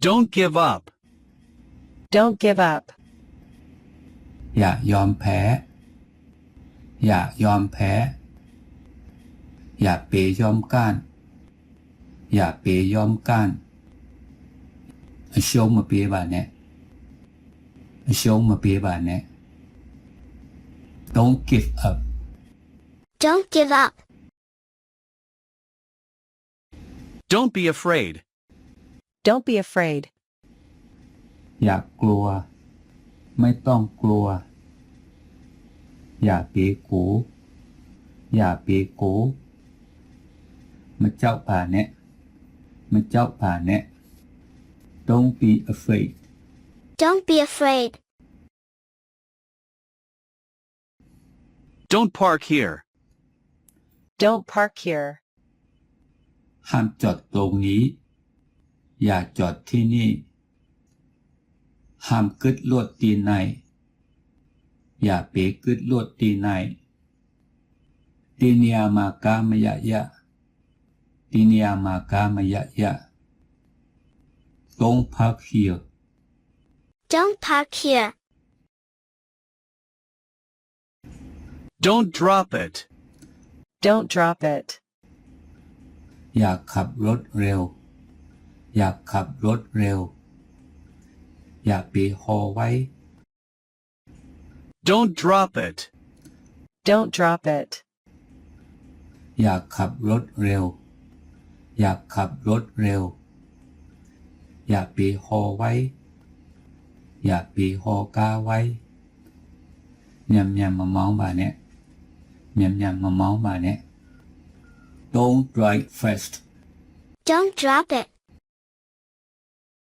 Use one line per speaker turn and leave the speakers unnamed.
Don't give up.
Don't give up.
อย่ายอมแพ้อย่ายอมแพ้อย่าเปยอมก้านอย่าเปยอมก้านရှုံးမပေးပါနဲ့ရှုံးမပေးပါနဲ့ Don't give up.
Don't give up.
Don't be afraid.
Don't be afraid.
อย่ากลัวไม่ต้องกลัวอย่าเปกูอย่าเปกูมาเจ้าป่าเนี่ยมาเจ้าป่าเนี่ย Don't be afraid.
Don't be afraid.
Don't park here.
Don't park here.
ห้ามจอดตรงนี้อย่าจอดที่นี่ห้ามกึดลวดตีในอย่าเปกึดลวดตีในตีเนียมากามยะยะตีเนียมากามยะยะ Don't park here.
Don't park here.
Don't drop it.
Don't drop it.
อย่าขับรถเร็วอย่าขับรถเร็วอย่าเปหอไว้
Don't drop it.
Don't drop it.
อย่าขับรถเร็วอย่าขับรถเร็วอย่าเปหอไว้อย่าเปหอกาไว้ยำมามองบ่าเนี่ยยำมามองบ่าเนี่ย Don't drive fast.
Don't drop it.